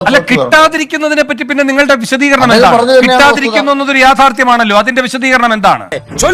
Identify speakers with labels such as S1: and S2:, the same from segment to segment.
S1: അല്ല, കിട്ടാതിരിക്കുന്നതിനെ പറ്റി പിന്നെ നിങ്ങളുടെ വിശദീകരണം എന്താണ്? കിട്ടാതിരിക്കുന്നു എന്നതൊരു യാഥാർത്ഥ്യമാണല്ലോ, അതിന്റെ വിശദീകരണം എന്താണ്?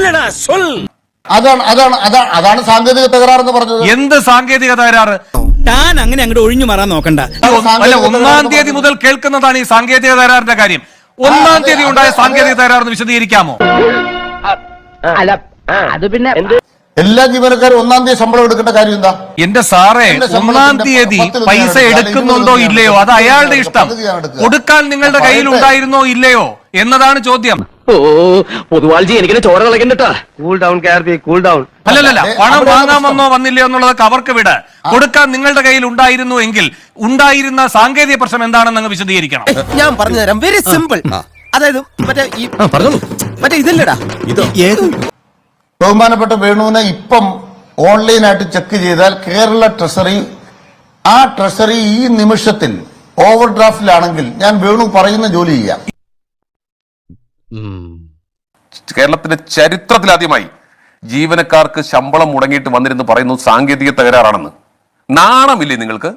S2: അതാണ് സാങ്കേതിക തകരാറെന്ന് പറഞ്ഞത്.
S1: എന്ത് സാങ്കേതിക തകരാറ്?
S3: താൻ അങ്ങനെ അങ്ങോട്ട് ഒഴിഞ്ഞു മാറാൻ നോക്കണ്ട.
S1: അല്ല, 1-ാം തീയതി മുതൽ കേൾക്കുന്നതാണ് ഈ സാങ്കേതിക തകരാറിന്റെ കാര്യം. 1-ാം തീയതി ഉണ്ടായ സാങ്കേതിക തകരാറെന്ന് വിശദീകരിക്കാമോ?
S4: അല്ല, അത് പിന്നെ
S2: എല്ലാ ജീവനക്കാരും 1-ാം തീയതി ശമ്പളം എടുക്കേണ്ട കാര്യം എന്താ?
S1: എന്റെ സാറേ, 1-ാം തീയതി പൈസ എടുക്കുന്നുണ്ടോ ഇല്ലയോ അത് അയാളുടെ ഇഷ്ടം. കൊടുക്കാൻ നിങ്ങളുടെ കയ്യിൽ ഉണ്ടായിരുന്നോ ഇല്ലയോ എന്നതാണ് ചോദ്യം.
S4: പൊതുവാൾജി എനിക്കിനെ ചോര കളക്കണ്ടട്ടാ. Cool down KRP, cool down.
S1: അല്ലല്ല, പണം വാങ്ങാൻ വന്നോ വന്നില്ലയോ എന്നുള്ളതൊക്കെ അവർക്ക് വിട്. കൊടുക്കാൻ നിങ്ങളുടെ കയ്യിൽ ഉണ്ടായിരുന്നു എങ്കിൽ ഉണ്ടായിരുന്ന സാങ്കേതിക പ്രശ്നം എന്താണെന്ന് അങ്ങ് വിശദീകരിക്കണം.
S3: ഞാൻ പറഞ്ഞുതരാം, വെരി സിമ്പിൾ. അതായത് മറ്റേ ഇതല്ലടാ,
S2: ബഹുമാനപ്പെട്ട വേണുവിനെ ഇപ്പം ഓൺലൈനായിട്ട് ചെക്ക് ചെയ്താൽ കേരള ട്രഷറി, ആ ട്രഷറി ഈ നിമിഷത്തിൽ ഓവർ ഡ്രാഫ്റ്റിലാണെങ്കിൽ ഞാൻ വേണു പറയുന്ന ജോലി ചെയ്യാം.
S5: കേരളത്തിന്റെ ചരിത്രത്തിലാദ്യമായി ജീവനക്കാർക്ക് ശമ്പളം മുടങ്ങിയിട്ട് വന്നിരുന്നു പറയുന്നു സാങ്കേതിക തകരാറാണെന്ന്. നാണമില്ലേ നിങ്ങൾക്ക്?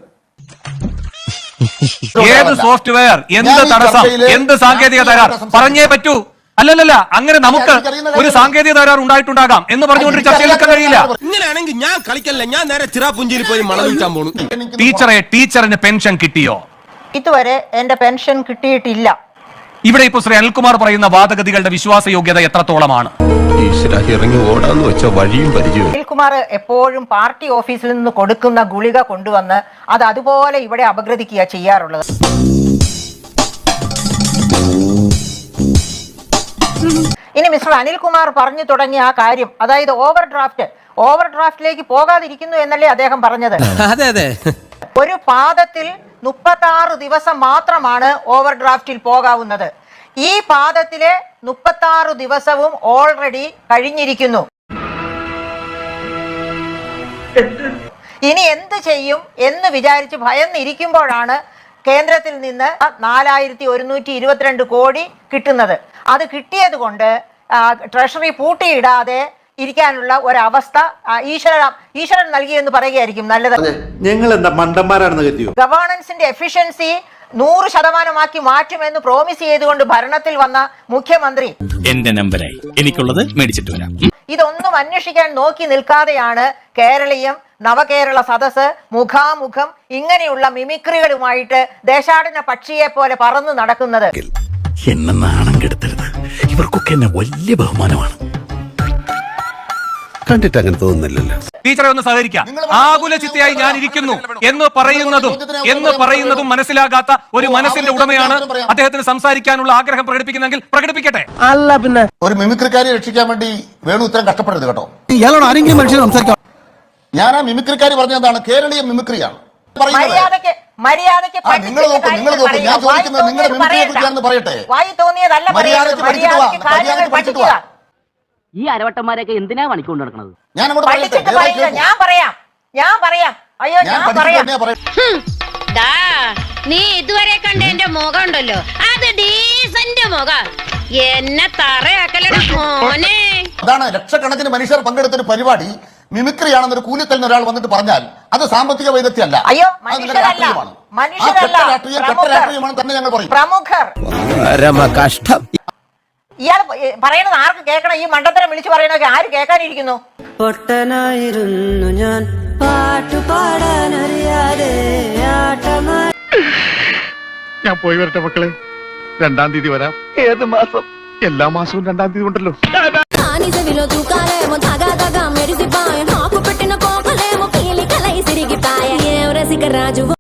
S1: ഏത് സോഫ്റ്റ്വെയർ, എന്ത് തടസ്സം, എന്ത് സാങ്കേതിക തകരാർ പറഞ്ഞേ പറ്റൂ. അല്ലല്ല, അങ്ങനെ നമുക്ക് ഒരു സാങ്കേതിക തകരാർ ഉണ്ടായിട്ടുണ്ടാകാം എന്ന് പറഞ്ഞുകൊണ്ട് ചർച്ചയിലെടുക്കാൻ കഴിയില്ല.
S3: ഇങ്ങനെയാണെങ്കിൽ ഞാൻ കളിക്കല്ല, ഞാൻ നേരെ ചിറാപുഞ്ചിയിൽ പോയി മണം വിൽക്കാൻ പോണു.
S1: ടീച്ചറിന് പെൻഷൻ കിട്ടിയോ?
S6: ഇതുവരെ എന്റെ പെൻഷൻ കിട്ടിയിട്ടില്ല.
S1: ഇവിടെ ഇപ്പൊ ശ്രീ അനിൽകുമാർ പറയുന്ന വാദഗതികളുടെ വിശ്വാസയോഗ്യത എത്രത്തോളമാണ്?
S6: അനിൽകുമാർ എപ്പോഴും പാർട്ടി ഓഫീസിൽ നിന്ന് കൊടുക്കുന്ന ഗുളിക കൊണ്ടുവന്ന് അത് അതുപോലെ ഇവിടെ അപഗ്രഥിക്കുക ചെയ്യാറുള്ളത്. ഇനി മിസ്റ്റർ അനിൽകുമാർ പറഞ്ഞു തുടങ്ങിയ ആ കാര്യം, അതായത് ഓവർ ഡ്രാഫ്റ്റിലേക്ക് പോകാതിരിക്കുന്നു എന്നല്ലേ അദ്ദേഹം പറഞ്ഞത്?
S3: അതെ.
S6: ഒരു പാദത്തിൽ 36 ദിവസം മാത്രമാണ് ഓവർ ഡ്രാഫ്റ്റിൽ പോകാവുന്നത്. ഈ പാദത്തിലെ 36 ദിവസവും ഓൾറെഡി കഴിഞ്ഞിരിക്കുന്നു. ഇനി എന്ത് ചെയ്യും എന്ന് വിചാരിച്ച് ഭയന്നിരിക്കുമ്പോഴാണ് കേന്ദ്രത്തിൽ നിന്ന് 4122 കോടി കിട്ടുന്നത്. അത് കിട്ടിയത് കൊണ്ട് ട്രഷറി പൂട്ടിയിടാതെ ഇരിക്കാനുള്ള ഒരവസ്ഥ ഈശ്വരൻ നൽകിയെന്ന് പറയുകയായിരിക്കും നല്ലത്.
S7: ഞങ്ങൾ എന്താ മണ്ടന്മാരാണെന്ന് കരുതിയോ?
S6: ഗവേണൻസിന്റെ എഫിഷ്യൻസി 100% മാറ്റുമെന്ന് പ്രോമിസ് ചെയ്തുകൊണ്ട് ഭരണത്തിൽ വന്ന മുഖ്യമന്ത്രി
S3: എന്റെ നമ്പറായി എനിക്കുള്ളത് മേടിച്ചിട്ട് വരാം.
S6: ഇതൊന്നും അന്വേഷിക്കാൻ നോക്കി നിൽക്കാതെയാണ് കേരളീയം നവകേരള സദസ് മുഖാമുഖം ഇങ്ങനെയുള്ള മിമിക്രികളുമായിട്ട് ദേശാടന പക്ഷിയെ പോലെ പറന്നു നടക്കുന്നത്.
S3: എന്നെ നാണം കെടുത്തരുത്, ഇവർക്കൊക്കെ എന്നെ വലിയ ബഹുമാനമാണ്. കണ്ടിട്ട് അങ്ങനെ തോന്നുന്നില്ലല്ലോ.
S1: ടീച്ചറെ ഒന്ന് സഹകരിക്കാം. ആകുല ചിത്തയായി ഞാൻ ഇരിക്കുന്നു എന്ന് പറയുന്നതും മനസ്സിലാകാത്ത ഒരു മനസ്സിന്റെ ഉടമയാണ് അദ്ദേഹത്തിന് സംസാരിക്കാനുള്ള ആഗ്രഹം പ്രകടിപ്പിക്കുന്നെങ്കിൽ പ്രകടിപ്പിക്കട്ടെ.
S3: അല്ല പിന്നെ
S2: ഒരു മിമിക്രിക്കാരെ രക്ഷിക്കാൻ വേണ്ടി വേണു ഇത്രയും കഷ്ടപ്പെടരുത് കേട്ടോ.
S3: ഇയാളോട് ആരെങ്കിലും മനുഷ്യൻ സംസാരിക്കാം.
S2: ഞാൻ ആ മിമിക്രിക്കാരി പറഞ്ഞതാണ്, കേരളീയ മിമിക്രിയാണ്.
S4: ഈ അരവട്ടന്മാരെയൊക്കെ എന്തിനാ പണിക്കൊണ്ട് നടക്കുന്നത്?
S8: നീ ഇതുവരെ കണ്ട എന്റെ മുഖം ഉണ്ടല്ലോ, അത് ഡീസന്റ് മുഖം. എന്നെ തറയാക്കലടാ മോനെ.
S2: അതാണ് ലക്ഷക്കണക്കിന് മനുഷ്യർ പങ്കെടുത്തൊരു പരിപാടി മിമിക്രിയാണെന്നൊരു കൂലിത്തന്നെ ഒരാൾ വന്നിട്ട് പറഞ്ഞാൽ അത് സാമ്പത്തിക വൈദഗ്ധ്യമല്ല, രാഷ്ട്രീയമാണ് തന്നെ ഞങ്ങൾ പറയും.
S3: കഷ്ടം.
S6: ഇയാൾ പറയണത് ആർക്ക് കേൾക്കണം? ഈ മണ്ടത്തരം വിളിച്ചു പറയണൊക്കെ ആര് കേൾക്കാനിരിക്കുന്നു?
S9: പൊട്ടനായിരുന്നു ഞാൻ, പാട്ടുപാടാനറിയാതെ
S7: ഞാൻ പോയി വരട്ടെ മക്കളെ, 2-ാം തീയതി വരാം. ഏത് മാസം? എല്ലാ മാസവും 2-ാം തീയതി ഉണ്ടല്ലോ.
S9: మెరిసిపాయ నాకు పెట్టిన కోకలేమో పీలి కలై సిరిగిపాయ ఏ రసిక రాజు